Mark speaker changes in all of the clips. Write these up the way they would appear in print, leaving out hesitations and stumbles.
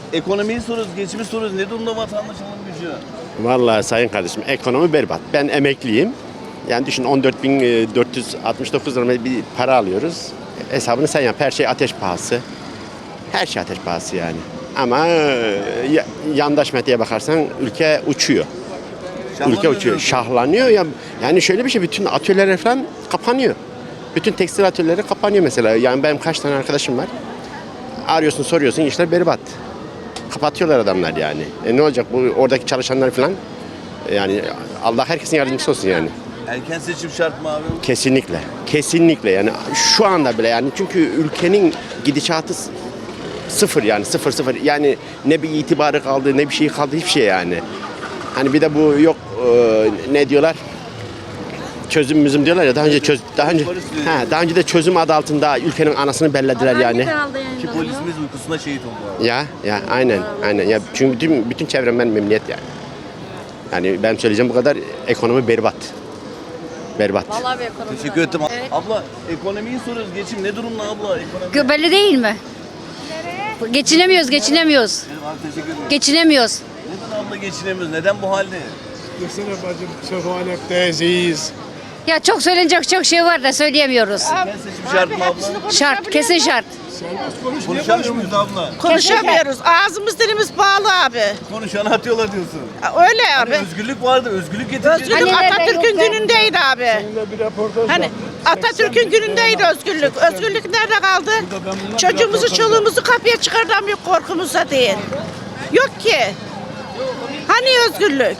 Speaker 1: Ekonomiyi soruyoruz, geçimi soruyoruz. Ne durumda vatandaş alım gücü?
Speaker 2: Vallahi sayın kardeşim ekonomi berbat. Ben emekliyim. Yani düşün 14.469 lira bir para alıyoruz. Hesabını sen yap. Her şey ateş pahası. Her şey ateş pahası yani. Ama yandaş medyaya bakarsan ülke uçuyor. Ülke uçuyor. Şahlanıyor. Yani şöyle bir şey, bütün atölyeler falan kapanıyor. Bütün tekstil atölyeleri kapanıyor mesela. Yani benim kaç tane arkadaşım var. Arıyorsun soruyorsun, işler berbat. Kapatıyorlar adamlar yani. Ne olacak bu oradaki çalışanlar falan? Yani Allah herkesin yardımcısı olsun yani.
Speaker 1: Erken seçim şart mı abi?
Speaker 2: Kesinlikle. Kesinlikle yani şu anda bile yani çünkü ülkenin gidişatı sıfır yani sıfır. Yani ne bir itibarı kaldı ne bir şey kaldı hiçbir şey yani. Hani bir de bu yok ne diyorlar? Çözüm diyorlar ya daha önce de çözüm adı altında ülkenin anasını bellediler yani.
Speaker 1: Ki polisimiz uykusunda şehit oldu abi.
Speaker 2: Ya aynen. Ya çünkü bütün çevremden memnuniyet yani. Yani ben söyleyeceğim bu kadar, ekonomi berbat. Berbat.
Speaker 3: Vallahi bir ekonomi
Speaker 1: Teşekkür ederim.
Speaker 3: Evet.
Speaker 1: Abla ekonomiyi soruyoruz. Geçim ne durumda abla? Ekonomi.
Speaker 3: Belli değil mi? Geçinemiyoruz.
Speaker 1: Abi teşekkür ederim.
Speaker 3: Geçinemiyoruz.
Speaker 1: Neden abla geçinemiyoruz? Neden bu halde?
Speaker 4: Desene bacım, sefaletteyiz, iyiyiz.
Speaker 3: Ya çok söylenecek çok şey var da söyleyemiyoruz.
Speaker 1: Erken seçim şart mı abla?
Speaker 3: Şart, kesin şart.
Speaker 1: Konuşamıyor muyuz abla?
Speaker 5: Konuşamıyoruz. Ağzımız dilimiz bağlı abi.
Speaker 1: Konuşanı atıyorlar diyorsun.
Speaker 5: Öyle
Speaker 1: Hani
Speaker 5: abi.
Speaker 1: özgürlük vardı. Özgürlük getireceğiz.
Speaker 5: Özgürlük
Speaker 3: Hani nerede
Speaker 5: Atatürk'ün
Speaker 3: yok ya?
Speaker 5: günündeydi abi.
Speaker 4: Seninle bir röportaj
Speaker 5: Hani
Speaker 4: var.
Speaker 5: Atatürk'ün günündeydi özgürlük. Özgürlük nerede kaldı? Çocuğumuzu, çoluğumuzu kapıya çıkartamıyor korkumuzda değil. Yok ki. Hani özgürlük?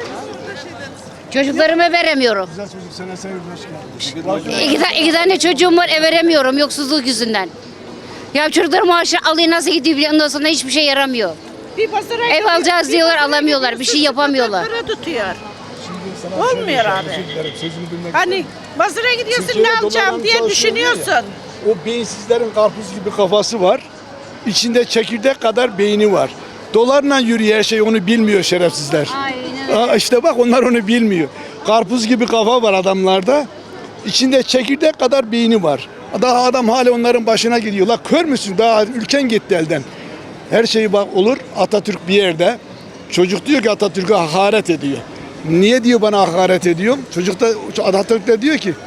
Speaker 3: Çocuklarıma veremiyorum.
Speaker 4: Güzel çocuk, sana sevim, hoş geldin.
Speaker 3: İki tane çocuğum var, veremiyorum yoksulluk yüzünden. Ya çocuklar maaşı alıyor nasıl gidiyor biliyor, ondan sonra hiçbir şey yaramıyor.
Speaker 5: Bir pazara
Speaker 3: Ev alacağız diyorlar, alamıyorlar, bir şey yapamıyorlar.
Speaker 5: Para tutuyor.
Speaker 4: Şimdi sana
Speaker 5: Olmuyor
Speaker 4: söyleyeceğim,
Speaker 5: abi.
Speaker 4: özür dilerim, sözümü bilmek
Speaker 5: Hani pazara gidiyorsun
Speaker 4: Türkiye'de
Speaker 5: ne alacağım
Speaker 4: dolarla
Speaker 5: diye
Speaker 4: çalışıyor ya.
Speaker 5: düşünüyorsun.
Speaker 4: O beyinsizlerin karpuz gibi kafası var. İçinde çekirdek kadar beyni var. Dolarla yürüyor her şey, onu bilmiyor şerefsizler.
Speaker 3: Aynen
Speaker 4: İşte bak onlar onu bilmiyor. Karpuz gibi kafa var adamlarda. İçinde çekirdek kadar beyni var. Daha adam hala onların başına gidiyor. La kör müsün? Daha ülken gitti elden. Her şey bak olur. Atatürk bir yerde. Çocuk diyor ki Atatürk'e hakaret ediyor. Niye diyor bana hakaret ediyor? Atatürk de diyor ki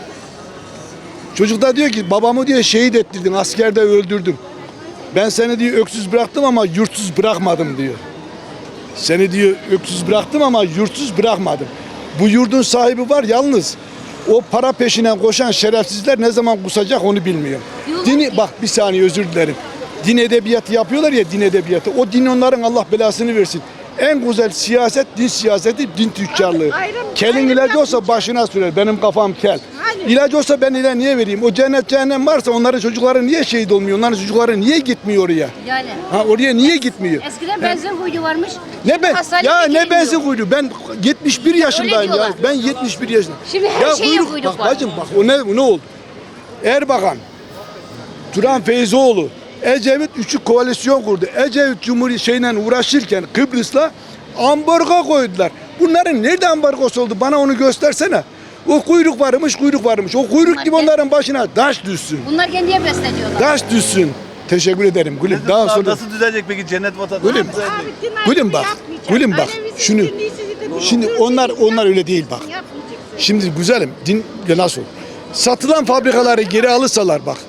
Speaker 4: babamı diyor şehit ettirdin, askerde öldürdüm. Ben seni diyor öksüz bıraktım ama yurtsuz bırakmadım diyor. Seni diyor öksüz bıraktım ama yurtsuz bırakmadım. Bu yurdun sahibi var yalnız. O para peşinden koşan şerefsizler ne zaman kusacak onu bilmiyor. Bak bir saniye özür dilerim. Din edebiyatı yapıyorlar ya, din edebiyatı. O din onların Allah belasını versin. En güzel siyaset din siyaseti, din tüccarlığı. Kelin ilacı olsa başına sürer. Benim kafam kel. İlacı olsa ben ile niye vereyim? O cennet cehennem varsa onların çocukları niye şehit olmuyor? Onların çocukları niye gitmiyor oraya?
Speaker 3: Yani.
Speaker 4: Oraya niye gitmiyor?
Speaker 3: Eskiden benzin kuydu varmış.
Speaker 4: Ne ben
Speaker 3: Hastane
Speaker 4: ya ne
Speaker 3: bekliyor.
Speaker 4: benzin kuydu? Ben 71 yaşındayım ya.
Speaker 3: diyorlar.
Speaker 4: Ben 71 yaşındayım.
Speaker 3: Şimdi her şeye kuyruk
Speaker 4: bak
Speaker 3: var.
Speaker 4: bacım bak o ne oldu? Erbakan, Turan Feyzoğlu, Ecevit üçü koalisyon kurdu. Ecevit Cumhuriyet şeyle uğraşırken Kıbrıs'la ambargo koydular. Bunların nerede ambargosu oldu? Bana onu göstersene. O kuyruk varmış. O kuyruk gibi onların başına taş düşsün.
Speaker 3: Bunlar kendiye besleniyorlar.
Speaker 4: Taş düşsün. Teşekkür ederim Gülüm. Daha sonra
Speaker 1: Nasıl düzelecek peki cennet vatanı?
Speaker 4: Gülüm.
Speaker 1: Nasıl düzelecek?
Speaker 4: Gülüm bak. Gülüm bak. Şunu. Şimdi onlar öyle değil bak. Şimdi güzelim din nasıl? Satılan fabrikaları geri alırsalar bak.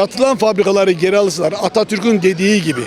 Speaker 4: Atatürk'ün dediği gibi.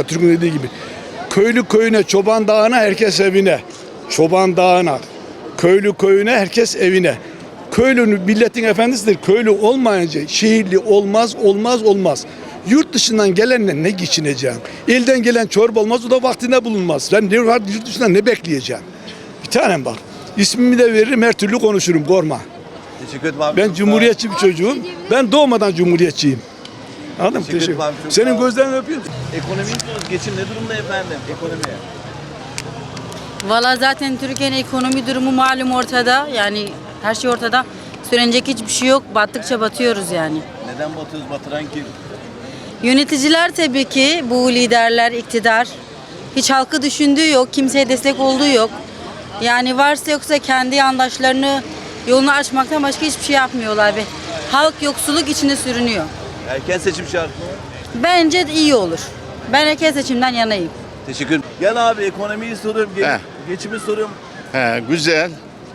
Speaker 4: Köylü köyüne, çoban dağına, herkes evine. Çoban dağına, köylü köyüne, herkes evine. Köylünün milletin efendisidir. Köylü olmayınca şehirli olmaz. Yurt dışından gelenle ne geçineceğim? Elden gelen çorba olmaz, o da vaktinde bulunmaz. Ben yurt dışından ne bekleyeceğim? Bir tanem bak. İsmimi de veririm, her türlü konuşurum, korkma.
Speaker 1: Teşekkür ederim abi.
Speaker 4: Ben cumhuriyetçi bir çocuğum. Ben doğmadan cumhuriyetçiyim. Anladın mı?
Speaker 1: Teşekkür ederim abi, çok sağ
Speaker 4: Senin
Speaker 1: ol.
Speaker 4: gözlerini öpüyorum.
Speaker 1: Ekonomiyi soruyoruz. Geçim ne durumda efendim? Ekonomi.
Speaker 6: Valla zaten Türkiye'nin ekonomi durumu malum ortada. Yani her şey ortada. Söylenecek hiçbir şey yok. Battıkça batıyoruz yani.
Speaker 1: Neden batıyoruz? Batıran kim?
Speaker 6: Yöneticiler tabii ki, bu liderler, iktidar. Hiç halkı düşündüğü yok. Kimseye destek olduğu yok. Yani varsa yoksa kendi yandaşlarını yolunu açmaktan başka hiçbir şey yapmıyorlar ve halk yoksulluk içinde sürünüyor.
Speaker 1: Erken seçim şart mı?
Speaker 6: Bence iyi olur. Ben erken seçimden yanayım.
Speaker 1: Teşekkür ederim. Gel abi ekonomiyi soruyorum,
Speaker 7: He.
Speaker 1: geçimi soruyorum.
Speaker 7: He, güzel.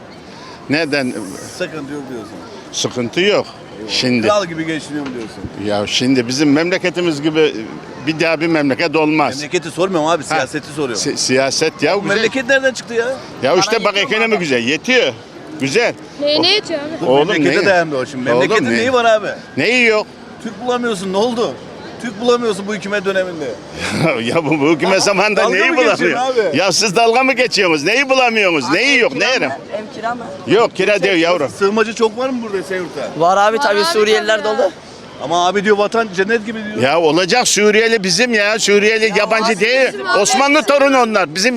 Speaker 7: Neden?
Speaker 1: Sıkıntı yok diyorsun.
Speaker 7: Sıkıntı yok. Şimdi
Speaker 1: Kral gibi geçiniyorum diyorsun.
Speaker 7: ya şimdi bizim memleketimiz gibi bir daha bir memleket olmaz.
Speaker 1: Memleketi sormuyorum abi, siyaseti soruyorum.
Speaker 7: Siyaset ya
Speaker 1: Bu
Speaker 7: güzel.
Speaker 1: memleket nereden çıktı ya?
Speaker 7: Ya işte bak ekonomi güzel. Yetiyor. Güzel.
Speaker 8: Neyine yetiyor abi?
Speaker 1: Bu
Speaker 7: Oğlum
Speaker 1: memlekete
Speaker 7: ne?
Speaker 1: dayanmıyor şimdi.
Speaker 7: Oğlum
Speaker 1: Memleketin
Speaker 7: ne?
Speaker 1: neyi var abi?
Speaker 7: Neyi yok?
Speaker 1: Türk bulamıyorsun, ne oldu? Türk bulamıyorsun bu hükümet döneminde.
Speaker 7: Ya bu hükümet zamanında
Speaker 1: Dalga
Speaker 7: neyi
Speaker 1: mı geçiyorsun
Speaker 7: bulamıyor?
Speaker 1: abi?
Speaker 7: Ya siz dalga mı geçiyorsunuz? Neyi bulamıyorsunuz? Neyi yok? Ne yerim?
Speaker 9: Ev kira mı?
Speaker 7: Yok kira diyor yavrum.
Speaker 1: Sığınmacı çok var mı burada Esenyurt'ta?
Speaker 9: Var abi tabii
Speaker 8: abi
Speaker 9: Suriyeliler
Speaker 8: tabii ya.
Speaker 9: dolu.
Speaker 1: Ama abi diyor vatan cennet gibi diyor.
Speaker 7: Ya olacak Suriyeli bizim ya. Suriyeli yabancı değil. Osmanlı torunu onlar. Bizim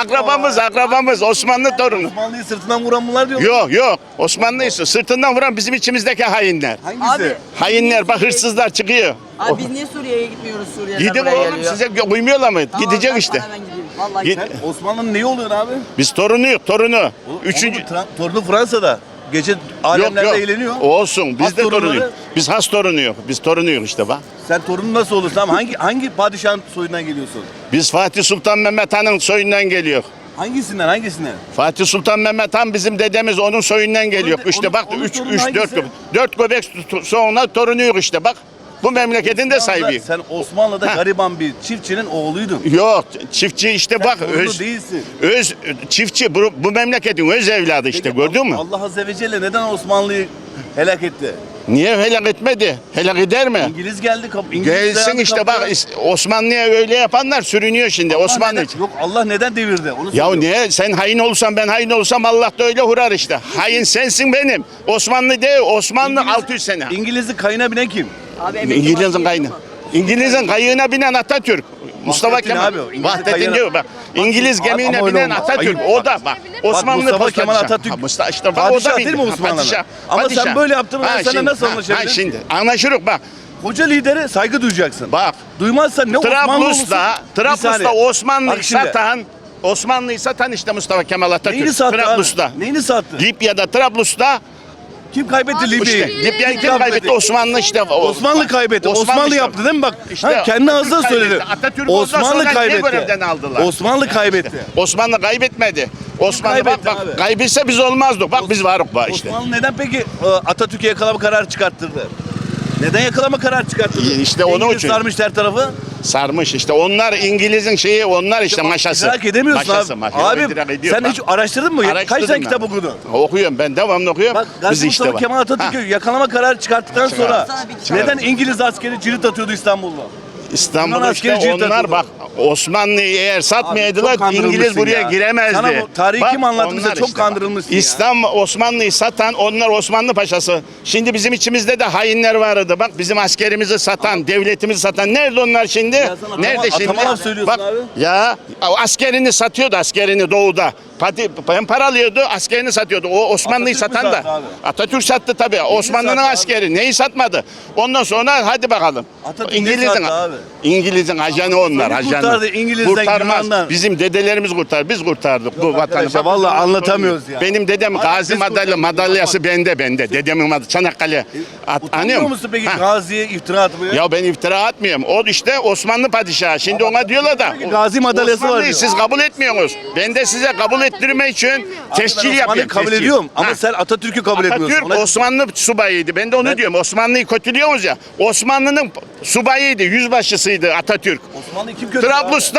Speaker 7: akrabamız Osmanlı torunu.
Speaker 1: Osmanlı'yı sırtından vuran bunlar diyor.
Speaker 7: Yok. Osmanlıyız. Sırtından vuran bizim içimizdeki hainler.
Speaker 1: Hangisi?
Speaker 9: Abi,
Speaker 7: Hainler bak hırsızlar çıkıyor.
Speaker 9: Abi biz niye Suriye'ye gitmiyoruz? Suriyeliler
Speaker 7: Gidin
Speaker 9: buraya
Speaker 7: oğlum
Speaker 9: geliyor.
Speaker 7: size uymuyorlar mı?
Speaker 9: Tamam,
Speaker 7: Gidecek
Speaker 9: ben
Speaker 7: işte.
Speaker 9: sana hemen gideyim. Vallahi
Speaker 7: Git.
Speaker 9: gidelim.
Speaker 1: Osmanlı'nın neyi oluyor abi?
Speaker 7: Biz torunuyuz torunu. Üçüncü.
Speaker 1: Torunu Fransa'da. Gece alemlerde eğleniyor.
Speaker 7: Olsun. Biz
Speaker 1: Has
Speaker 7: de
Speaker 1: torunları-
Speaker 7: torunuyuz. Biz has torunuyuz. Biz torunuyuz işte bak.
Speaker 1: Sen torunun nasıl olursun ama hangi padişahın soyundan geliyorsun?
Speaker 7: Biz Fatih Sultan Mehmet Han'ın soyundan geliyor.
Speaker 1: Hangisinden?
Speaker 7: Fatih Sultan Mehmet Han bizim dedemiz onun soyundan geliyor.
Speaker 1: Onun-
Speaker 7: İşte bak
Speaker 1: onun
Speaker 7: 3
Speaker 1: torunu
Speaker 7: 4
Speaker 1: hangisi?
Speaker 7: 4 göbek sonra torunuyuz işte bak. Bu memleketin de sahibi.
Speaker 1: Sen Osmanlı'da
Speaker 7: Ha.
Speaker 1: gariban bir çiftçinin oğluydun.
Speaker 7: Yok çiftçi işte
Speaker 1: Sen
Speaker 7: bak
Speaker 1: torunu değilsin.
Speaker 7: öz çiftçi bu memleketin öz evladı işte
Speaker 1: Peki,
Speaker 7: gördün mü?
Speaker 1: Allah Azze ve Celle neden Osmanlı'yı helak etti?
Speaker 7: Niye helak etmedi? Helak eder mi?
Speaker 1: İngiliz geldi İngiliz
Speaker 7: Gelsin
Speaker 1: dayandı
Speaker 7: işte
Speaker 1: kapıya.
Speaker 7: bak Osmanlı'ya öyle yapanlar sürünüyor şimdi
Speaker 1: Allah
Speaker 7: Osmanlı
Speaker 1: neden-
Speaker 7: için.
Speaker 1: Yok Allah neden devirdi? Onu
Speaker 7: Ya
Speaker 1: soruyorum.
Speaker 7: niye sen hain olsan ben hain olsam Allah da öyle hurar işte. Hain sensin benim. Osmanlı değil Osmanlı 600 sene.
Speaker 1: İngiliz'in kayına binen kim?
Speaker 9: Abi emekli
Speaker 7: İngiliz'in
Speaker 9: maaşı
Speaker 7: kayını.
Speaker 9: yetiyor mu?
Speaker 7: İngiliz'in kayığına binen Atatürk. Mustafa
Speaker 1: Vahdettin
Speaker 7: Kemal.
Speaker 1: abi, İngiliz'in
Speaker 7: Vahdettin
Speaker 1: kayığına-
Speaker 7: diyor bak. İngiliz
Speaker 1: Abi,
Speaker 7: gemiğine
Speaker 1: ama öyle
Speaker 7: binen
Speaker 1: olmaz.
Speaker 7: Atatürk.
Speaker 1: Ayıp.
Speaker 7: O da bak. Osmanlı
Speaker 1: Mustafa Kemal
Speaker 7: padişah.
Speaker 1: Atatürk.
Speaker 7: Ha, Mustafa işte bak o
Speaker 1: Padişah
Speaker 7: da
Speaker 1: değil mi
Speaker 7: bildi. Ha,
Speaker 1: Osmanlı'nın?
Speaker 7: padişah,
Speaker 1: Ama sen
Speaker 7: padişah.
Speaker 1: böyle yaptın, ben
Speaker 7: Ha,
Speaker 1: seninle
Speaker 7: şimdi,
Speaker 1: nasıl
Speaker 7: ha,
Speaker 1: anlaşabilirim?
Speaker 7: Ha şimdi anlaşırız bak.
Speaker 1: Koca lidere saygı duyacaksın.
Speaker 7: Bak.
Speaker 1: Duymazsan ne Osmanlı olursun.
Speaker 7: Trablus'ta Osmanlı'yı
Speaker 1: Bak şimdi.
Speaker 7: satan Osmanlı'yı satan işte Mustafa Kemal Atatürk.
Speaker 1: Neyini sattı
Speaker 7: Trablus'ta.
Speaker 1: abi? Neyini sattı?
Speaker 7: Libya'da Trablus'ta
Speaker 1: Kim kaybetti Libya'yı?
Speaker 7: işte Libya'yı kim kaybetti? Osmanlı işte.
Speaker 1: Osmanlı kaybetti. Osmanlı
Speaker 7: işte.
Speaker 1: yaptı değil mi bak?
Speaker 7: İşte
Speaker 1: Ha, kendi ağzına
Speaker 7: Atatürk
Speaker 1: söyledi.
Speaker 7: kaybetti. Atatürk ondan
Speaker 1: Osmanlı
Speaker 7: sonra niye
Speaker 1: kaybetti.
Speaker 7: görevden aldılar?
Speaker 1: Osmanlı kaybetti.
Speaker 7: Osmanlı kaybetmedi. Osmanlı
Speaker 1: kaybetti
Speaker 7: bak
Speaker 1: abi?
Speaker 7: kaybetse biz olmazdık. Bak biz varık bak işte.
Speaker 1: Osmanlı neden peki Atatürk'e yakalama kararı çıkarttırdı? Neden yakalama kararı çıkarttırdı?
Speaker 7: İşte onun
Speaker 1: İngiliz
Speaker 7: için.
Speaker 1: sarmış her tarafı.
Speaker 7: Sarmış işte. Onlar İngiliz'in şeyi onlar işte maşası.
Speaker 1: İdrak edemiyorsun
Speaker 7: Maşası,
Speaker 1: abi.
Speaker 7: maşası.
Speaker 1: Abi
Speaker 7: İdrak ediyor.
Speaker 1: sen
Speaker 7: Bak.
Speaker 1: hiç araştırdın mı? Kaç
Speaker 7: Araştırdım
Speaker 1: tane
Speaker 7: ben.
Speaker 1: kitap okudun?
Speaker 7: Okuyorum ben devamlı okuyorum.
Speaker 1: Bak
Speaker 7: Biz
Speaker 1: Gazi
Speaker 7: işte
Speaker 1: Mustafa
Speaker 7: bak.
Speaker 1: Kemal Atatürk'ü
Speaker 7: Ha,
Speaker 1: yakalama kararı çıkarttıktan sonra
Speaker 9: Sana bir kitap-
Speaker 1: neden İngiliz askeri cirit atıyordu İstanbul'da?
Speaker 7: İstanbul'da
Speaker 1: Yunan
Speaker 7: işte
Speaker 1: askeri cirit
Speaker 7: onlar
Speaker 1: atıyordu.
Speaker 7: bak Osmanlı'yı eğer
Speaker 1: Abi
Speaker 7: satmayaydılar
Speaker 1: çok kandırılmışsın
Speaker 7: İngiliz buraya
Speaker 1: ya.
Speaker 7: giremezdi.
Speaker 1: Sana bu tarihi
Speaker 7: Bak,
Speaker 1: kim anlattı bize?
Speaker 7: onlar
Speaker 1: Çok
Speaker 7: bak.
Speaker 1: kandırılmışsın ya.
Speaker 7: İslam Osmanlı'yı satan onlar Osmanlı paşası. Şimdi bizim içimizde de hainler vardı. Bak bizim askerimizi satan, devletimizi satan. Nerede onlar şimdi?
Speaker 1: Ya sen atama-
Speaker 7: Nerede şimdi?
Speaker 1: atama laf söylüyorsun
Speaker 7: Bak,
Speaker 1: abi.
Speaker 7: ya askerini satıyordu askerini doğuda. Hem paralıyordu askerini satıyordu. O Osmanlı'yı
Speaker 1: Atatürk mü
Speaker 7: satan da.
Speaker 1: sattı abi?
Speaker 7: Atatürk sattı tabii. Osmanlı'nın
Speaker 1: sattı abi?
Speaker 7: askeri. Neyi satmadı? Ondan sonra hadi bakalım.
Speaker 1: Atatürk ne
Speaker 7: İngiliz'in
Speaker 1: sattı abi?
Speaker 7: İngiliz'in ajanı onlar.
Speaker 1: Seni
Speaker 7: Ajanı.
Speaker 1: kurtardı İngiliz'den,
Speaker 7: Kurtarmaz.
Speaker 1: Yunan'dan.
Speaker 7: Bizim dedelerimiz kurtar. Biz kurtardık bu vatanı.
Speaker 1: arkadaşlar,
Speaker 7: Bak,
Speaker 1: vallahi
Speaker 7: biz
Speaker 1: anlatamıyoruz ya.
Speaker 7: Benim dedem
Speaker 1: Abi
Speaker 7: Gazi
Speaker 1: biz
Speaker 7: madalyası bende. Dedemin madalyası Çanakkale.
Speaker 1: Utanmıyor musun peki
Speaker 7: Ha.
Speaker 1: Gazi'ye iftira atmaya?
Speaker 7: Ya ben iftira atmıyorum. O işte Osmanlı padişahı. Şimdi ona diyorlar da.
Speaker 1: Peki Gazi madalyası var
Speaker 7: Osmanlı'yı
Speaker 1: diyor.
Speaker 7: siz kabul etmiyorsunuz. Ben de size kabul ettirmek için tescil
Speaker 1: Osmanlı'yı
Speaker 7: yapıyorum.
Speaker 1: kabul
Speaker 7: tescil.
Speaker 1: ediyorum ama
Speaker 7: Ha.
Speaker 1: sen Atatürk'ü kabul etmiyorsun.
Speaker 7: Atatürk Osmanlı subayıydı. Ben de onu diyorum. Osmanlı'yı kötülüyoruz ya. Osmanlı'nın subayıydı, yüzbaşısıydı Atatürk.
Speaker 1: Osmanlı'yı kim kötüledi?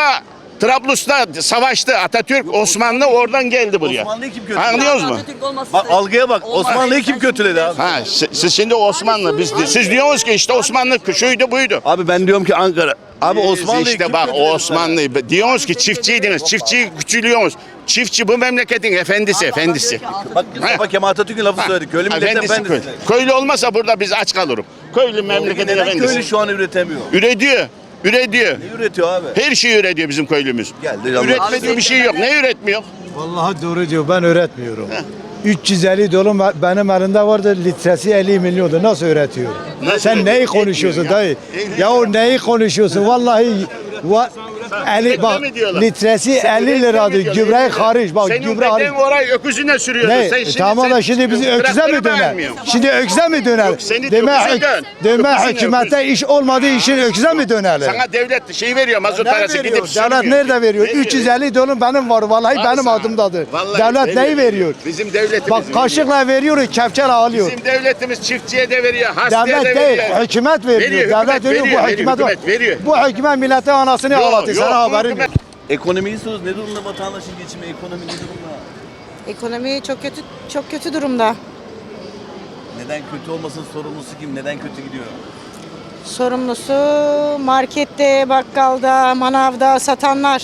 Speaker 7: Trablus'ta savaştı Atatürk. Osmanlı oradan geldi buraya.
Speaker 1: Osmanlı'yı kim kötüledi?
Speaker 7: Anlıyoruz mu?
Speaker 9: Atatürk olmasa
Speaker 1: Bak algıya bak.
Speaker 9: Olmaz.
Speaker 1: Osmanlı'yı kim kötüledi abi?
Speaker 7: Ha, siz şimdi Osmanlı, siz diyorsunuz ki işte Osmanlı şuydu buydu.
Speaker 1: Abi ben diyorum ki Ankara. Abi
Speaker 7: Biz
Speaker 1: Osmanlı'yı
Speaker 7: işte
Speaker 1: kim
Speaker 7: bak
Speaker 1: kötüledi
Speaker 7: Osmanlı diyorsunuz ki çiftçiydiniz, çiftçiyi küçülüyorsunuz. Çiftçi bu memleketin efendisi.
Speaker 1: sana? Bak Mustafa Kemal Atatürk'ün lafı söyledi. Köylü milletin efendisi.
Speaker 7: köylü. Köylü olmasa burada biz aç kalırız. Köylü memleketin
Speaker 1: Neden köylü
Speaker 7: efendisi.
Speaker 1: şu an üretemiyor?
Speaker 7: Üretiyor.
Speaker 1: Ne üretiyor abi?
Speaker 7: Her şeyi üretiyor bizim köylümüz.
Speaker 1: Geldi Allah.
Speaker 7: Üretmediği bir şey yok. Ne üretmiyor?
Speaker 10: Vallahi doğru diyor. Ben öğretmiyorum. 350 dolu benim elimde vardı. Litresi 50 milyondu. Nasıl üretiyor? Sen neyi konuşuyorsun dayı? Ya o neyi konuşuyorsun? Vallahi 50 bak
Speaker 7: mi diyorlar?
Speaker 10: litresi
Speaker 7: Sen
Speaker 10: 50
Speaker 7: üretim
Speaker 10: liradır.
Speaker 7: mi diyor,
Speaker 10: Gübre
Speaker 7: üretim?
Speaker 10: hariç. Bak
Speaker 7: Senin
Speaker 10: gübre hariç.
Speaker 7: deden orayı öküzüne sürüyordu.
Speaker 10: Ne?
Speaker 7: Sen şimdi,
Speaker 10: Tamam da şimdi bizi öküze mi
Speaker 7: traktörü
Speaker 10: döner?
Speaker 7: beğenmiyorsun.
Speaker 10: Şimdi öküze mi döner?
Speaker 7: Yok, seni
Speaker 10: Deme,
Speaker 7: öküze dön.
Speaker 10: deme
Speaker 7: Öküzüne
Speaker 10: hükümete
Speaker 7: öküz.
Speaker 10: iş olmadığı için öküze mi dönerler?
Speaker 7: Sana devlet şey veriyor mazot
Speaker 10: Ne
Speaker 7: parası
Speaker 10: veriyor?
Speaker 7: gidip
Speaker 10: Devlet
Speaker 7: sürmüyor.
Speaker 10: nerede veriyor?
Speaker 7: Ne
Speaker 10: 350 dolar benim var. Vallahi
Speaker 7: Var
Speaker 10: benim
Speaker 7: sana.
Speaker 10: adımdadır.
Speaker 7: Vallahi
Speaker 10: Devlet neyi veriyor?
Speaker 7: Bizim devletimiz
Speaker 10: Bak kaşıkla veriyor, kepçeyle alıyor.
Speaker 7: Bizim devletimiz çiftçiye de veriyor, hastaya da
Speaker 10: Devlet
Speaker 7: veriyor.
Speaker 10: değil, hükümet veriyor.
Speaker 7: Veriyor,
Speaker 10: Devlet
Speaker 7: hükümet
Speaker 10: veriyor,
Speaker 7: veriyor,
Speaker 10: bu hükümet var.
Speaker 7: hükümet veriyor.
Speaker 10: Bu hükümet milletin anasını
Speaker 7: Yok,
Speaker 10: ağlatıyor.
Speaker 7: yok,
Speaker 10: Sana
Speaker 7: bu
Speaker 10: haberin
Speaker 7: hükümet-
Speaker 10: yok.
Speaker 1: Ekonomiyi soruyoruz. Ne durumda vatandaşın geçimi? Ekonomi ne durumda?
Speaker 5: Ekonomi çok kötü durumda.
Speaker 1: Neden kötü olmasın? Sorumlusu kim? Neden kötü gidiyor?
Speaker 5: Sorumlusu markette, bakkalda, manavda satanlar.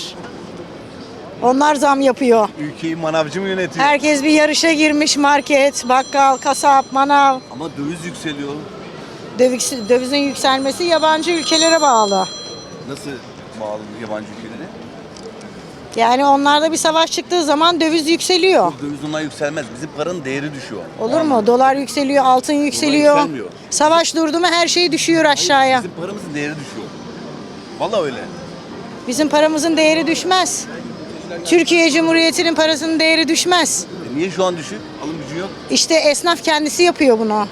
Speaker 5: Onlar zam yapıyor.
Speaker 1: Ülkeyi manavcı mı yönetiyor?
Speaker 5: Herkes bir yarışa girmiş, market, bakkal, kasap, manav.
Speaker 1: Ama döviz yükseliyor.
Speaker 5: Dövizin yükselmesi yabancı ülkelere bağlı.
Speaker 1: Nasıl bağlı yabancı ülkelere?
Speaker 5: Yani onlarda bir savaş çıktığı zaman döviz yükseliyor.
Speaker 1: Döviz ondan yükselmez. Bizim paranın değeri düşüyor.
Speaker 5: Olur mu? Dolar yükseliyor, altın yükseliyor.
Speaker 1: yükselmiyor.
Speaker 5: Savaş durdu mu her şey düşüyor aşağıya.
Speaker 1: Bizim paramızın değeri düşüyor. Vallahi öyle.
Speaker 5: Bizim paramızın değeri düşmez. Türkiye Cumhuriyeti'nin parasının değeri düşmez.
Speaker 1: Niye şu an düşük? Alım gücü yok.
Speaker 5: İşte esnaf kendisi yapıyor bunu.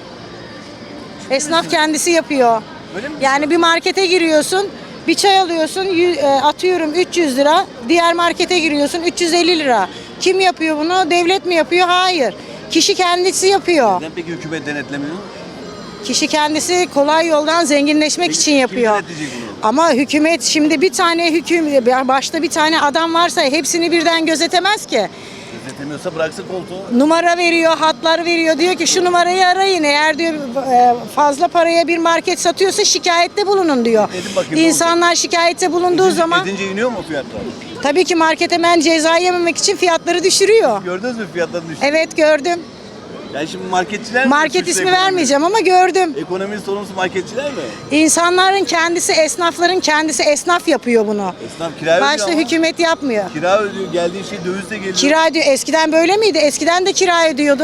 Speaker 5: Esnaf kendisi yapıyor.
Speaker 1: Öyle mi?
Speaker 5: Yani bir markete giriyorsun, bir çay alıyorsun, atıyorum 300 lira. Diğer markete giriyorsun 350 lira. Kim yapıyor bunu? Devlet mi yapıyor? Hayır. Kişi kendisi yapıyor.
Speaker 1: Neden peki hükümet denetlemiyor?
Speaker 5: Kişi kendisi kolay yoldan zenginleşmek için yapıyor.
Speaker 1: Kim denetleyecek bunu?
Speaker 5: Ama hükümet şimdi bir tane başta bir tane adam varsa hepsini birden gözetemez ki.
Speaker 1: Gözetemiyorsa bıraksın koltuğu.
Speaker 5: Numara veriyor, hatlar veriyor. Diyor ki şu numarayı arayın. Eğer diyor fazla paraya bir market satıyorsa şikayette bulunun diyor.
Speaker 1: Edin bakayım, ne
Speaker 5: İnsanlar şikayette bulunduğu zaman
Speaker 1: Edince iniyor mu fiyatlar?
Speaker 5: tabii ki market hemen ceza yememek için fiyatları düşürüyor.
Speaker 1: Gördünüz mü fiyatların düştüğünü?
Speaker 5: Evet gördüm.
Speaker 1: Yani şimdi marketçiler mi?
Speaker 5: Market
Speaker 1: suçlu
Speaker 5: ismi
Speaker 1: ekonomi?
Speaker 5: vermeyeceğim ama gördüm.
Speaker 1: Ekonominin sorumlusu marketçiler mi?
Speaker 5: İnsanların kendisi, esnafların kendisi esnaf yapıyor bunu.
Speaker 1: Esnaf kira ödüyor
Speaker 5: Başta
Speaker 1: ama.
Speaker 5: hükümet yapmıyor.
Speaker 1: Kira ödüyor. Geldiği şey dövizle geliyor.
Speaker 5: Kira ödüyor. Eskiden böyle miydi? Eskiden de kira ödüyordu.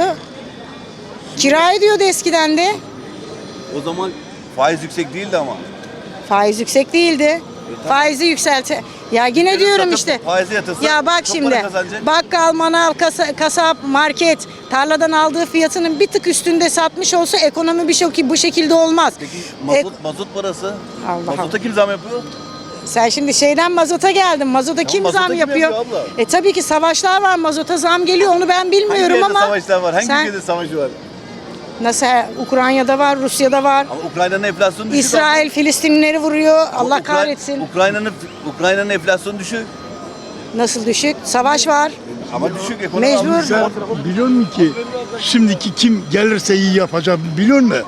Speaker 5: Kira ödüyordu eskiden de.
Speaker 1: O zaman faiz yüksek değildi ama.
Speaker 5: Faiz yüksek değildi. Faizi yükselte. Ya yine diyorum
Speaker 1: satıp
Speaker 5: işte.
Speaker 1: faize yatırsa
Speaker 5: Ya bak
Speaker 1: çok
Speaker 5: şimdi.
Speaker 1: para kazanacak.
Speaker 5: Bakkal, manav, kasap, market tarladan aldığı fiyatının bir tık üstünde satmış olsa ekonomi bu şekilde olmaz.
Speaker 1: Peki
Speaker 5: E,
Speaker 1: mazot parası?
Speaker 5: Allah
Speaker 1: Mazota kim zam yapıyor?
Speaker 5: Sen şimdi şeyden mazota geldin. Mazota kim
Speaker 1: mazota
Speaker 5: zam
Speaker 1: kim
Speaker 5: yapıyor?
Speaker 1: yapıyor abla?
Speaker 5: Tabii ki savaşlar var. Mazota zam geliyor. Onu ben bilmiyorum
Speaker 1: Hangi
Speaker 5: ama.
Speaker 1: yerde savaşlar var? Hangi
Speaker 5: sen,
Speaker 1: ülkede savaşı var?
Speaker 5: nasıl Ukrayna'da var, Rusya'da var.
Speaker 1: Ama Ukrayna'nın enflasyonu düşük.
Speaker 5: İsrail Filistinlileri vuruyor. Allah
Speaker 1: Ukra-
Speaker 5: kahretsin.
Speaker 1: Ukrayna'nın enflasyonu düşük.
Speaker 5: Nasıl düşük? Savaş var.
Speaker 1: Ama düşük ekonomi.
Speaker 5: Mecbur.
Speaker 1: almış.
Speaker 8: Biliyor musun ki şimdiki kim gelirse iyi yapacak biliyor musun?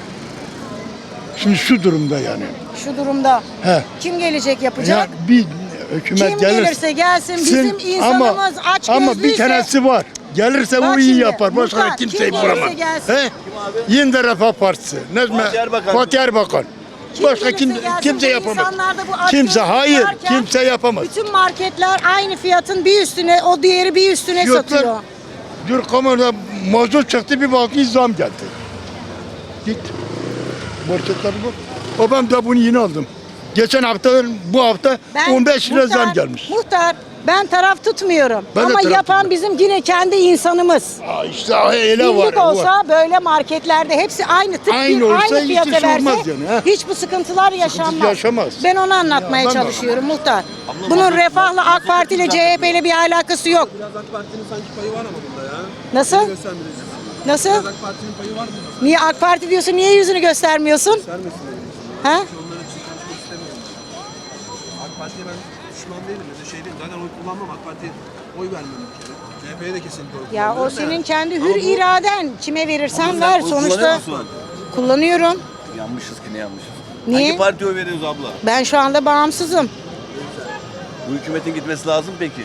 Speaker 8: Şimdi şu durumda yani.
Speaker 5: Şu durumda.
Speaker 8: He.
Speaker 5: Kim gelecek yapacak?
Speaker 8: Ya bir hükümet
Speaker 5: Kim
Speaker 8: gelirse
Speaker 5: gelirse gelsin bizim insanımız aç
Speaker 8: ama bir
Speaker 5: gözlüyse.
Speaker 8: tanesi var. Gelirse
Speaker 5: Bak
Speaker 8: o iyi
Speaker 5: şimdi,
Speaker 8: yapar. Başka
Speaker 5: Muhtar,
Speaker 8: kimseyi
Speaker 5: kim gelirse
Speaker 8: bulamaz.
Speaker 5: gelsin.
Speaker 8: He? Yine Refah Partisi.
Speaker 1: Fatih Erbakan.
Speaker 8: Fatih Erbakan.
Speaker 5: Kim
Speaker 8: Başka
Speaker 5: gelirse gelsin,
Speaker 8: kimse
Speaker 5: bu
Speaker 8: yapamaz.
Speaker 5: insanlarda bu aç
Speaker 8: Kimse
Speaker 5: gözlük
Speaker 8: hayır.
Speaker 5: varken
Speaker 8: Kimse yapamaz.
Speaker 5: Bütün marketler aynı fiyatın bir üstüne, o diğeri bir üstüne
Speaker 8: Fiyatlar-
Speaker 5: satıyor.
Speaker 8: Dur kamerada mazot çıktı bir bakıyor zam geldi. Git. Marketler bu. O ben de bunu yeni aldım. Geçen hafta bu hafta 15 lira zam gelmiş.
Speaker 5: Muhtar, ben taraf tutmuyorum.
Speaker 8: Ben de
Speaker 5: ama
Speaker 8: taraf
Speaker 5: yapan
Speaker 8: tutmuyorum.
Speaker 5: bizim yine kendi insanımız.
Speaker 8: İşte öyle var.
Speaker 5: Birlik olsa böyle marketlerde hepsi aynı
Speaker 8: Aynı olsa
Speaker 5: aynı
Speaker 8: hiç
Speaker 5: fiyata
Speaker 8: iş
Speaker 5: verse
Speaker 8: olmaz yani, ha?
Speaker 5: hiç bu sıkıntılar yaşanmaz.
Speaker 8: yaşamaz.
Speaker 5: Ben onu anlatmaya
Speaker 8: Ben de
Speaker 5: çalışıyorum muhtar. Bunun Refah'la AK Parti ile CHP ile bir alakası yok.
Speaker 11: Biraz AK Parti'nin sanki payı var ama bunda ya.
Speaker 5: Nasıl?
Speaker 11: Göstermeyeceğiz.
Speaker 5: Nasıl?
Speaker 11: Biraz AK Parti'nin payı var mı?
Speaker 5: Niye AK Parti diyorsun? Niye yüzünü göstermiyorsun?
Speaker 11: Vermesin dedim.
Speaker 5: Ha?
Speaker 11: Onları için konuşmak istemiyorum. AK Parti'ye ben düşman değilim ya da şey değilim. Zaten oy kullanmam. AK Parti'ye oy vermem bir kere. CHP'ye de kesinlikle oy
Speaker 5: Ya
Speaker 11: kullanmam.
Speaker 5: o senin kendi hür iraden. Kime verirsen
Speaker 1: Sen
Speaker 5: ver.
Speaker 1: oy
Speaker 5: Sonuçta
Speaker 1: kullanıyor musun?
Speaker 5: kullanıyorum.
Speaker 1: Yanmışız ki ne yanmışız?
Speaker 5: Niye?
Speaker 1: Hangi partiye oy veriyoruz abla?
Speaker 5: Ben şu anda bağımsızım.
Speaker 1: Bu hükümetin gitmesi lazım peki.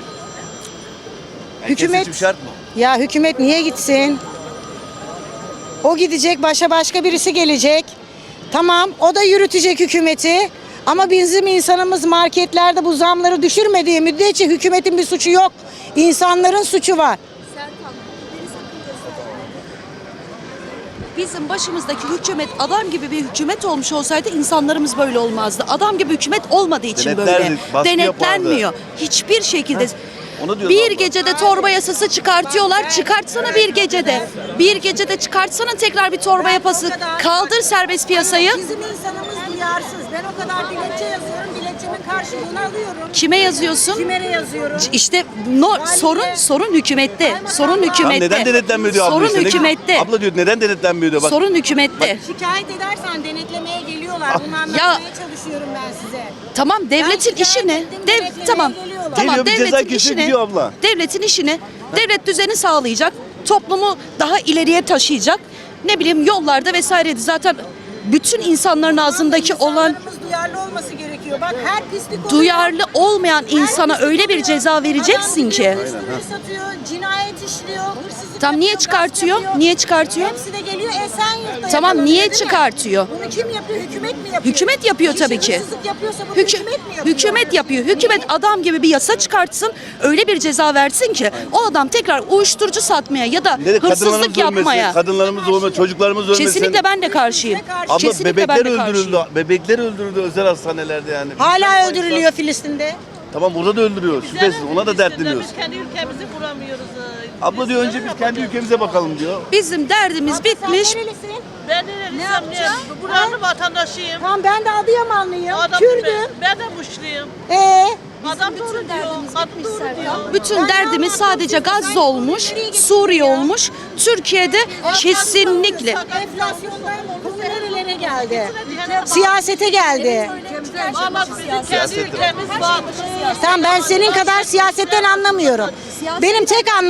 Speaker 5: Hükümet-
Speaker 1: Seçim şart mı?
Speaker 5: Ya hükümet niye gitsin? O gidecek, başka birisi gelecek. Tamam, o da yürütecek hükümeti. Ama bizim insanımız marketlerde bu zamları düşürmediği müddetçe hükümetin bir suçu yok. İnsanların suçu var.
Speaker 12: bizim başımızdaki hükümet adam gibi bir hükümet olmuş olsaydı insanlarımız böyle olmazdı. Adam gibi hükümet olmadığı için böyle.
Speaker 1: Denetlerdik, baskı
Speaker 12: Denetlenmiyor. Hiçbir şekilde.
Speaker 1: Onu diyoruz
Speaker 12: Bir
Speaker 1: abla.
Speaker 12: gecede torba yasası çıkartıyorlar. Çıkartsana bir gecede. Bir gecede çıkartsana tekrar bir torba yapası. Kaldır serbest piyasayı.
Speaker 5: Bizim insanımız duyarsız. Ben o kadar dilekçe yazıyorum. Dilekçemin karşılığını alıyorum.
Speaker 12: Kime yazıyorsun?
Speaker 5: Kimere yazıyorum?
Speaker 12: İşte sorun hükümette. Sorun
Speaker 1: Tamam,
Speaker 12: hükümette.
Speaker 1: neden denetlenmiyor diyor abla
Speaker 12: Sorun
Speaker 1: işte.
Speaker 12: hükümette.
Speaker 1: Abla diyor neden denetlenmiyor diyor. Bak,
Speaker 12: Sorun hükümette.
Speaker 5: Şikayet edersen denetlemeye geliyorlar. Bunu anlatmaya çalışıyorum ben size.
Speaker 12: Tamam, devletin
Speaker 5: Ben
Speaker 12: işi ne?
Speaker 5: şikayet ettim, denetlemeye
Speaker 12: Tamam.
Speaker 5: geliyorlar.
Speaker 12: Tamam,
Speaker 1: Geliyor, bir ceza
Speaker 12: devletin
Speaker 1: kesiyor,
Speaker 12: işi ne?
Speaker 1: gidiyor abla.
Speaker 12: Devletin işi ne? Devlet düzeni sağlayacak. Toplumu daha ileriye taşıyacak. Ne bileyim yollarda vesaireydi. Zaten bütün insanların ağzındaki olan
Speaker 5: İnsanlarımız duyarlı olması gerekiyor. Bak her pislik oluyor.
Speaker 12: duyarlı olmayan insana
Speaker 5: pislik
Speaker 12: öyle bir
Speaker 5: oluyor.
Speaker 12: ceza vereceksin
Speaker 5: Adam
Speaker 12: ki.
Speaker 5: gidiyor, uyuşturucu satıyor, cinayet işliyor, hırsızlık
Speaker 12: Tam niye
Speaker 5: yapıyor,
Speaker 12: çıkartıyor?
Speaker 5: gasp yapıyor.
Speaker 12: Niye çıkartıyor?
Speaker 5: Hepsi de geliyor Esenyurt'ta
Speaker 12: Tamam,
Speaker 5: yakalanıyor,
Speaker 12: niye
Speaker 5: değil mi?
Speaker 12: çıkartıyor?
Speaker 5: Bunu kim yapıyor? Hükümet mi yapıyor?
Speaker 12: Hükümet yapıyor
Speaker 5: Kişi
Speaker 12: tabii ki.
Speaker 5: hırsızlık yapıyorsa bunu hükümet mi yapıyor?
Speaker 12: Hükümet yapıyor. Hükümet adam gibi bir yasa çıkartsın. Öyle bir ceza versin ki o adam tekrar uyuşturucu satmaya ya da
Speaker 1: ne de
Speaker 12: hırsızlık
Speaker 1: kadınlarımız
Speaker 12: yapmaya.
Speaker 1: ölmesin, kadınlarımız ölmesin, çocuklarımız ölmesin.
Speaker 12: Kesinlikle ben de karşıyım.
Speaker 1: Abla
Speaker 12: Kesinlikle ben
Speaker 1: bebekler
Speaker 12: de
Speaker 1: öldürüldü.
Speaker 12: karşıyım.
Speaker 1: Bebekler öldürüldü özel hastanelerde yani.
Speaker 5: Hala öldürülüyor Filistin'de.
Speaker 1: Tamam burada da öldürüyor. Şüphesiz ona da dertleniyoruz.
Speaker 9: Kendi ülkemizi kuramıyoruz.
Speaker 1: Abla diyor önce biz kendi ülkemize bakalım diyor.
Speaker 12: Bizim derdimiz bitmiş.
Speaker 5: Sen nerelisin?
Speaker 9: Ben ne yapacağım? Buranın vatandaşıyım.
Speaker 5: Tamam ben de Adıyamanlıyım.
Speaker 9: Adam
Speaker 5: Kürdüm.
Speaker 9: Ben de Muşluyum.
Speaker 5: Adam
Speaker 9: Doğru diyor. Kadın doğru diyor.
Speaker 12: Bütün derdimiz sadece Gazze olmuş, Suriye olmuş. Türkiye'de kesinlikle
Speaker 5: enflasyondan konu nerelere geldi? Siyasete geldi.
Speaker 9: Ama bizim kendi ülkemiz var.
Speaker 5: Tamam ben senin kadar siyasetten anlamıyorum. Benim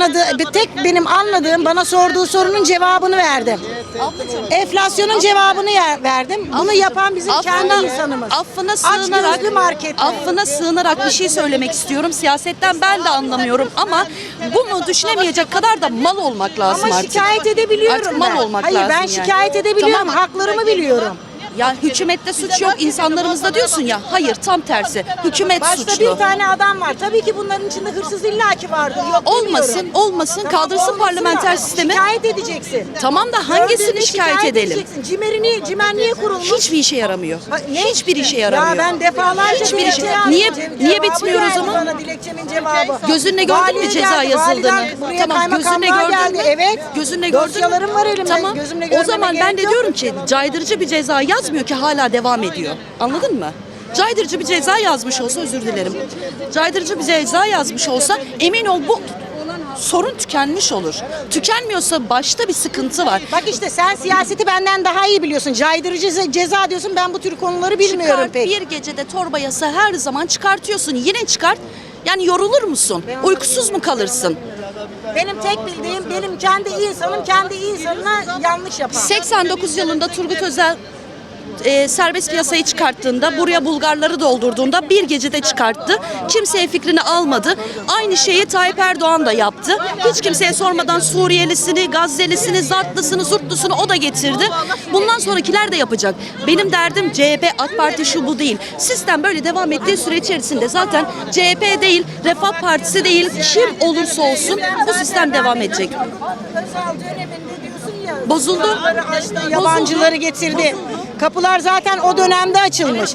Speaker 5: benim anladığım bana sorduğu sorunun cevabını verdim. Enflasyonun cevabını verdim. Bunu yapan bizim kendi insanımız.
Speaker 12: affına sığınarak
Speaker 5: Açgözlü marketler.
Speaker 12: affına sığınarak bir şey söylemek istiyorum. Siyasetten ben de anlamıyorum ama bunu düşünemeyecek kadar da mal olmak lazım
Speaker 5: Ama
Speaker 12: artık.
Speaker 5: şikayet edebiliyorum
Speaker 12: Artık mal
Speaker 5: ben.
Speaker 12: olmak
Speaker 5: Hayır
Speaker 12: lazım
Speaker 5: ben
Speaker 12: yani.
Speaker 5: şikayet edebiliyorum.
Speaker 12: Tamam.
Speaker 5: Haklarımı biliyorum.
Speaker 12: Ya hükümette suç yok, insanlarımızda diyorsun ya. Hayır, tam tersi. Hükümet
Speaker 5: Başta
Speaker 12: suçlu.
Speaker 5: bir tane adam var. Tabii ki bunların içinde hırsız illaki vardır. Yok
Speaker 12: Olmasın,
Speaker 5: demiyorum.
Speaker 12: olmasın.
Speaker 5: Tamam,
Speaker 12: Kaldırsın
Speaker 5: olmasın
Speaker 12: parlamenter
Speaker 5: da
Speaker 12: sistemi.
Speaker 5: Şikayet edeceksin.
Speaker 12: Tamam da hangisini
Speaker 5: Gördüğünde
Speaker 12: şikayet edelim?
Speaker 5: edeceksin. Cimer niye kurulmuş?
Speaker 12: Hiçbir işe yaramıyor.
Speaker 5: Ne?
Speaker 12: Hiçbir işe yaramıyor.
Speaker 5: Ya ben defalarca
Speaker 12: Hiçbir
Speaker 5: dilekçe
Speaker 12: işe-
Speaker 5: yazdım.
Speaker 12: Niye-
Speaker 5: Cevabı
Speaker 12: niye bitmiyor o
Speaker 5: geldi
Speaker 12: zaman?
Speaker 5: Bana dilekçemin cevabı.
Speaker 12: Gözünle gördün mü
Speaker 5: Valiye
Speaker 12: ceza
Speaker 5: geldi,
Speaker 12: yazıldığını?
Speaker 5: validen buraya
Speaker 12: Tamam, gözünle
Speaker 5: kaymakamlığa
Speaker 12: gördün mü?
Speaker 5: geldi. Evet.
Speaker 12: Gözünle gördün mü?
Speaker 5: Dosyalarım var elimde.
Speaker 12: Tamam.
Speaker 5: Gözümle
Speaker 12: O
Speaker 5: görmeme
Speaker 12: zaman ben de
Speaker 5: gerek yok.
Speaker 12: diyorum ki caydırıcı bir ceza yazmıyor ki hala devam ediyor. Anladın mı? Caydırıcı bir ceza yazmış olsa özür dilerim. Caydırıcı bir ceza yazmış olsa emin ol bu sorun tükenmiş olur. Tükenmiyorsa başta bir sıkıntı var.
Speaker 5: Bak işte sen siyaseti benden daha iyi biliyorsun. Caydırıcı ceza diyorsun. Ben bu tür konuları bilmiyorum
Speaker 12: Çıkart,
Speaker 5: pek.
Speaker 12: bir gecede torba yasa her zaman çıkartıyorsun. Yine çıkart. Yani yorulur musun? Uykusuz mu kalırsın?
Speaker 5: Benim tek bildiğim benim kendi insanına yanlış yapan.
Speaker 12: 89 yılında Turgut Özal serbest piyasayı çıkarttığında, buraya Bulgarları doldurduğunda bir gecede çıkarttı. Kimseye fikrini almadı. Aynı şeyi Tayyip Erdoğan da yaptı. Hiç kimseye sormadan Suriyelisini, Gazzelisini, Zatlısını, Zurtlusunu o da getirdi. Bundan sonrakiler de yapacak. Benim derdim CHP, AK Parti şu bu değil. Sistem böyle devam ettiği süre içerisinde zaten CHP değil, Refah Partisi değil, kim olursa olsun bu sistem devam edecek.
Speaker 5: Özal döneminde diyorsun ya.
Speaker 12: Bozuldu.
Speaker 5: kapıları açtı, yabancıları getirdi. Kapılar zaten o dönemde açılmış.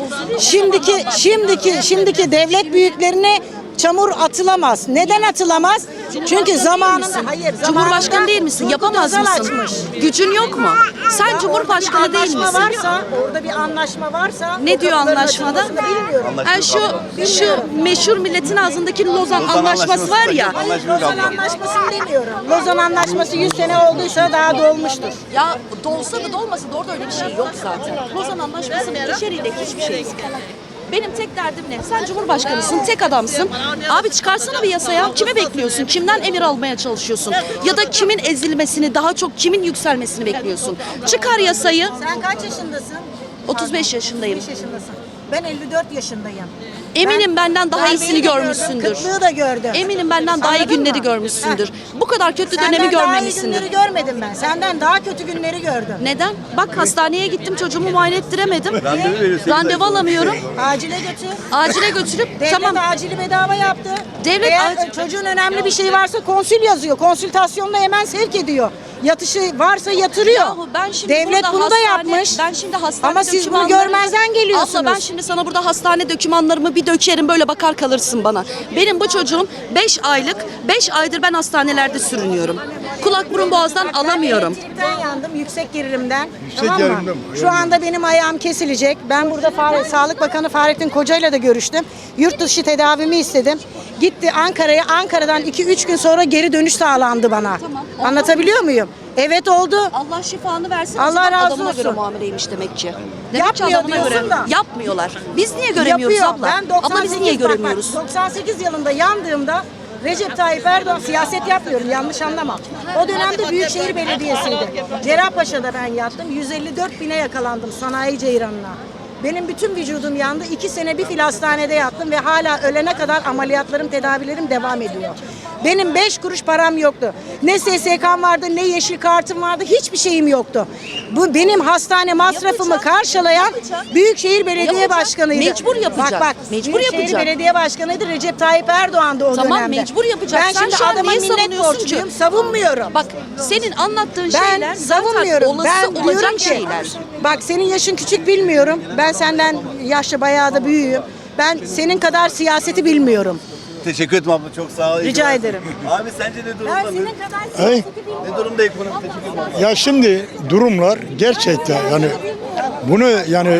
Speaker 5: Şimdiki devlet büyüklerine çamur atılamaz. Neden atılamaz? Çünkü zamanında
Speaker 12: Cumhurbaşkanı değil misin? Yapamaz
Speaker 5: Turgut Özal
Speaker 12: mısın?
Speaker 5: açmış.
Speaker 12: Gücün yok mu? Sen Cumhurbaşkanı değil misin?
Speaker 5: Orada bir anlaşma varsa
Speaker 12: Ne
Speaker 5: o
Speaker 12: diyor
Speaker 5: kapıların
Speaker 12: anlaşmada?
Speaker 5: açılmasını bilmiyorum.
Speaker 12: Yani şu meşhur milletin ağzındaki Lozan Anlaşması var ya.
Speaker 5: Lozan Anlaşması'nı demiyorum. Lozan Anlaşması 100 sene olduysa daha dolmuştur.
Speaker 12: Ya dolsa da dolmasa da orada öyle bir şey yok zaten. Lozan Anlaşması'nın içeriğinde hiçbir şey yok. Benim tek derdim ne? Sen Cumhurbaşkanısın, tek adamsın. Abi çıkarsana bir yasaya. Kime bekliyorsun? Kimden emir almaya çalışıyorsun? Ya da kimin ezilmesini, daha çok kimin yükselmesini bekliyorsun? Çıkar yasayı.
Speaker 5: Sen kaç yaşındasın?
Speaker 12: 35 yaşındayım.
Speaker 5: 35 yaşındasın. Ben 54 yaşındayım.
Speaker 12: Eminim benden daha
Speaker 5: Ben
Speaker 12: iyisini
Speaker 5: beni de gördüm,
Speaker 12: görmüşsündür.
Speaker 5: kıtlığı da gördüm.
Speaker 12: Eminim benden daha iyi
Speaker 5: Anladın
Speaker 12: günleri
Speaker 5: mı?
Speaker 12: görmüşsündür. Bu kadar kötü dönemi
Speaker 5: Senden daha iyi
Speaker 12: görmemişsindir.
Speaker 5: günleri görmedim ben. Senden daha kötü günleri gördüm.
Speaker 12: Neden? Bak hastaneye gittim, çocuğumu muayene ettiremedim.
Speaker 1: Randevu veriyor, sekiz ay
Speaker 12: Randevu
Speaker 1: sonra.
Speaker 12: alamıyorum.
Speaker 5: Acile götür.
Speaker 12: Acile götürüp
Speaker 5: Devlet
Speaker 12: tamam.
Speaker 5: acili bedava yaptı.
Speaker 12: Devlet
Speaker 5: Eğer
Speaker 12: acil-
Speaker 5: çocuğun önemli bir şey varsa konsül yazıyor. Konsültasyonla hemen sevk ediyor. Yatışı varsa yatırıyor.
Speaker 12: Yahu ben şimdi
Speaker 5: Devlet
Speaker 12: burada
Speaker 5: bunu da
Speaker 12: hastane-
Speaker 5: yapmış.
Speaker 12: Ben şimdi hastane
Speaker 5: Ama siz bunu
Speaker 12: dokümanlarını-
Speaker 5: görmezden geliyorsunuz.
Speaker 12: Abla ben şimdi sana burada hastane dokümanlarımı bir dökerim, böyle bakar kalırsın bana. Benim bu çocuğum 5 aylık, 5 aydır ben hastanelerde sürünüyorum. Kulak burun boğazdan alamıyorum.
Speaker 5: Elektrikten yandım, yüksek gerilimden.
Speaker 8: Yüksek
Speaker 5: tamam mı?
Speaker 8: gerilimden mi?
Speaker 5: Şu anda benim ayağım kesilecek. Ben burada Sağlık Bakanı Fahrettin Koca'yla da görüştüm. Yurt dışı tedavimi istedim. Gitti Ankara'ya. Ankara'dan 2-3 gün sonra geri dönüş sağlandı bana.
Speaker 12: Tamam.
Speaker 5: Anlatabiliyor muyum? Evet oldu.
Speaker 12: Allah şifanı versin.
Speaker 5: Allah
Speaker 12: O zaman
Speaker 5: razı
Speaker 12: adamına göre
Speaker 5: olsun.
Speaker 12: muameleymiş demek ki. Demek ki
Speaker 5: Yapmıyor
Speaker 12: adamına
Speaker 5: diyorsun da.
Speaker 12: Yapmıyorlar. Biz niye göremiyoruz
Speaker 5: Yapıyor.
Speaker 12: abla?
Speaker 5: Ben
Speaker 12: Abla biz niye
Speaker 5: bak,
Speaker 12: göremiyoruz?
Speaker 5: 98 yılında yandığımda Recep Tayyip Erdoğan, siyaset yapmıyorum yanlış anlama. O dönemde Büyükşehir Belediyesi'ydi. Cerrahpaşa'da ben yattım. 154 bine yakalandım sanayi ceyranına. Benim bütün vücudum yandı. 2 sene bir fil hastanede yattım ve hala ölene kadar ameliyatlarım, tedavilerim devam ediyor. Benim 5 kuruş param yoktu. Ne SSK'm vardı, ne yeşil kartım vardı, hiçbir şeyim yoktu. Bu benim hastane masrafımı karşılayan Büyükşehir Belediye
Speaker 12: Yapacak.
Speaker 5: Başkanıydı.
Speaker 12: Mecbur yapacak.
Speaker 5: Bak bak,
Speaker 12: Mecbur
Speaker 5: Büyükşehir
Speaker 12: yapacak.
Speaker 5: Belediye Başkanıydı Recep Tayyip Erdoğan'dı o
Speaker 12: Tamam,
Speaker 5: dönemde.
Speaker 12: mecbur yapacak.
Speaker 5: Ben
Speaker 12: Sen
Speaker 5: şimdi
Speaker 12: şu an
Speaker 5: adama
Speaker 12: niye
Speaker 5: minnet
Speaker 12: savunuyorsun
Speaker 5: borçluyum,
Speaker 12: ki?
Speaker 5: savunmuyorum.
Speaker 12: Bak senin anlattığın
Speaker 5: Ben
Speaker 12: şeyler zaten
Speaker 5: savunmuyorum.
Speaker 12: olası
Speaker 5: Ben
Speaker 12: olacak
Speaker 5: diyorum ki,
Speaker 12: şeyler.
Speaker 5: bak senin yaşın küçük bilmiyorum. Ben senden yaşlı bayağı da büyüğüm. Ben senin kadar siyaseti bilmiyorum.
Speaker 1: Teşekkür ederim abla, çok sağ ol. İyi
Speaker 5: Rica
Speaker 1: günler.
Speaker 5: ederim.
Speaker 1: Abi sence ne durumda?
Speaker 5: Ben senin kadar
Speaker 8: Hey.
Speaker 5: siyaseti bilmiyorum.
Speaker 1: Ne durumda ekonomi? Teşekkür ederim abla.
Speaker 8: Ya şimdi durumlar gerçekten yani bunu yani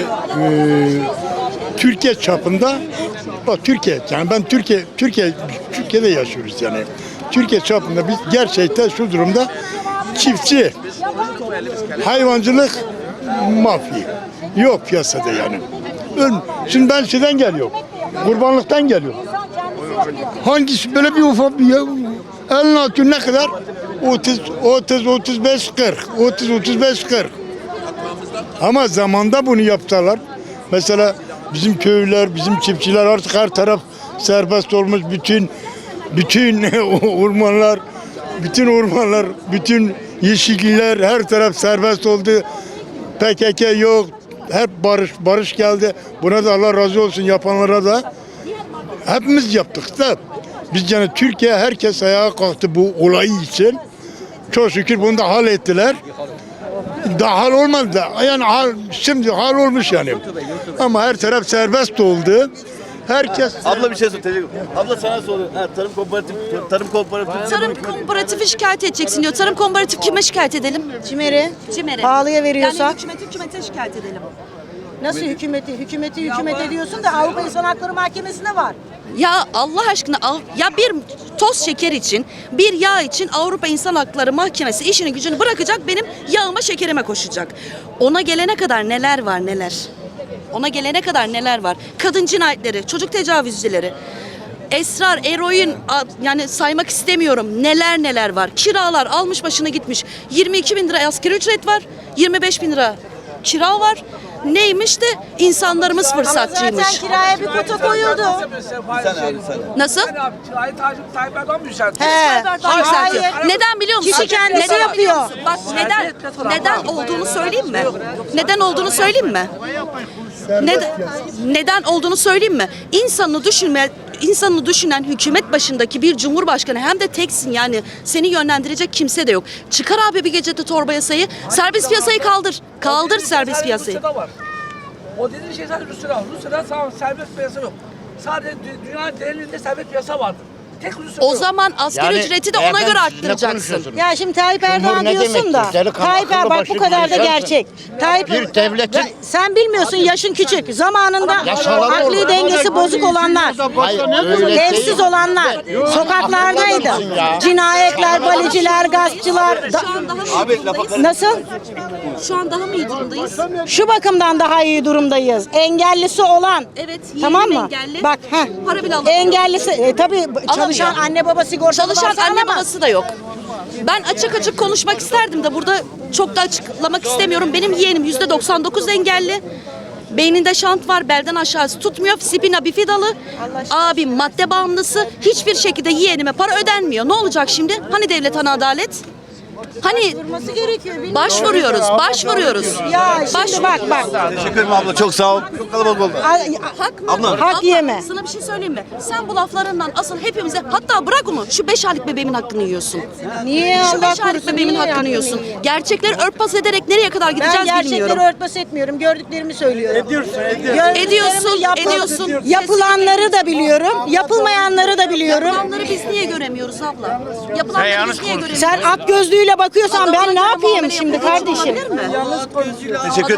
Speaker 8: Türkiye çapında bak Türkiye yani ben Türkiye'de yaşıyoruz yani. Türkiye çapında biz gerçekten şu durumda çiftçi, hayvancılık, mafya yok piyasada yani. Şimdi ben şeyden geliyorum. Kurbanlıktan geliyorum. Hangisi böyle bir ufak bir elin altı ne kadar? 35 40. Ama zamanda bunu yaptılar. Mesela bizim köylüler, bizim çiftçiler artık her taraf serbest olmuş. Bütün ormanlar, bütün yeşillikler her taraf serbest oldu. PKK yok. Hep barış geldi. Buna da Allah razı olsun yapanlara da. Hepimiz yaptık da. Biz yani Türkiye herkes ayağa kalktı bu olayı için. Çok şükür bunu da hal ettiler. Daha hal olmadı da. Yani şimdi hal olmuş yani. Ama her taraf serbest oldu. Herkes
Speaker 1: Abla bir şey sor. Teşekkür ederim. Abla sana soruyorum.
Speaker 12: Tarım komparatifi şikayet edeceksin diyor. Tarım komparatif kime şikayet edelim?
Speaker 5: Cimer'e
Speaker 12: CİMER'e.
Speaker 5: pahalıya veriyorsa.
Speaker 12: Yani hükümete şikayet edelim.
Speaker 5: Nasıl hükümet ediyorsun da Avrupa İnsan Hakları Mahkemesi'nde var.
Speaker 12: Ya Allah aşkına ya bir toz şeker için, bir yağ için Avrupa İnsan Hakları Mahkemesi işini gücünü bırakacak, benim yağıma şekerime koşacak. Ona gelene kadar neler var neler. Ona gelene kadar neler var. Kadın cinayetleri, çocuk tecavüzcüleri, esrar, eroin, yani saymak istemiyorum. Neler var. Kiralar almış başına gitmiş. 22 bin lira asgari ücret var. 25 bin lira kira var. Neymiş de insanlarımız
Speaker 5: Ama
Speaker 12: fırsatçıymış.
Speaker 5: zaten kiraya bir kota koyuldu.
Speaker 12: Nasıl?
Speaker 9: Tayyip Erdoğan mı yükseltti?
Speaker 5: He.
Speaker 12: Yükseltiyor.
Speaker 5: Hayır.
Speaker 12: Neden biliyor musun?
Speaker 5: Kişi kendisi
Speaker 12: Neden
Speaker 5: yapıyor.
Speaker 12: biliyor musun? Bak neden olduğunu söyleyeyim mi? Neden olduğunu söyleyeyim mi? Neden olduğunu söyleyeyim mi? İnsanını düşünen hükümet başındaki bir cumhurbaşkanı, hem de teksin, yani seni yönlendirecek kimse de yok. Çıkar abi bir gecede torba yasayı, serbest piyasayı kaldır. Kaldır serbest piyasayı.
Speaker 9: O dediğin şey sadece Rusya'da. Rusya'da serbest piyasa yok. Sadece dünyanın genelinde serbest piyasa vardır. Tek Rusya
Speaker 12: O
Speaker 9: yok.
Speaker 12: zaman asgari ücreti de ona göre arttıracaksın.
Speaker 5: Ya şimdi Tayyip Erdoğan diyorsun da. Tayyip Erdoğan bak bu kadar da gerçek. Tayyip sen bilmiyorsun, yaşın küçük. Zamanında akli dengesi bozuk olanlar, evsiz olanlar sokaklardaydı. Cinayetler, baliciler, gaspçılar.
Speaker 1: Abi lafa
Speaker 5: Nasıl?
Speaker 12: Şu an daha mı iyi durumdayız?
Speaker 5: Şu bakımdan daha iyi durumdayız. Engellisi olan.
Speaker 12: Evet,
Speaker 5: Tamam
Speaker 12: yeğenim
Speaker 5: mı?
Speaker 12: engelli.
Speaker 5: Bak,
Speaker 12: Para bile alamıyor.
Speaker 5: Engellisi tabii çalışan anne baba sigortalı
Speaker 12: Çalışan
Speaker 5: varsa
Speaker 12: anne
Speaker 5: alamaz.
Speaker 12: babası da yok. Ben açık konuşmak isterdim de burada çok da açıklamak istemiyorum. Benim yeğenim %99 engelli. Beyninde şant var, belden aşağısı tutmuyor. Spina bifidalı. Abim madde bağımlısı. Hiçbir şekilde yeğenime para ödenmiyor. Ne olacak şimdi? Hani devlet, hani adalet? Hani başvuruyoruz.
Speaker 5: Ya şimdi bak.
Speaker 1: Teşekkür ederim abla. Çok sağ ol. Çok kalabalık oldu.
Speaker 12: Hak mı?
Speaker 1: Abla.
Speaker 5: Hak yeme.
Speaker 12: Sana bir şey söyleyeyim mi? Sen bu laflarından asıl hepimize, hatta bırak onu, şu 5 aylık bebeğimin hakkını yiyorsun.
Speaker 5: Niye
Speaker 12: Şu
Speaker 5: Allah
Speaker 12: 5 aylık
Speaker 5: korusun?
Speaker 12: bebeğimin
Speaker 5: niye
Speaker 12: hakkını yiyorsun. Gerçekleri örtbas ederek nereye kadar
Speaker 5: Ben
Speaker 12: gideceğiz bilmiyorum.
Speaker 5: gerçekleri örtbas etmiyorum. Gördüklerimi söylüyorum.
Speaker 12: Ediyorsun.
Speaker 5: Yapılanları da biliyorum. Yapılmayanları da biliyorum.
Speaker 12: Yapılanları biz niye göremiyoruz abla? Yapılanları biz niye göremiyoruz?
Speaker 5: Sen at gözlüğüyle bakıyorsan ben ne yapayım şimdi kardeşim?
Speaker 12: Olabilir mi?
Speaker 1: Teşekkür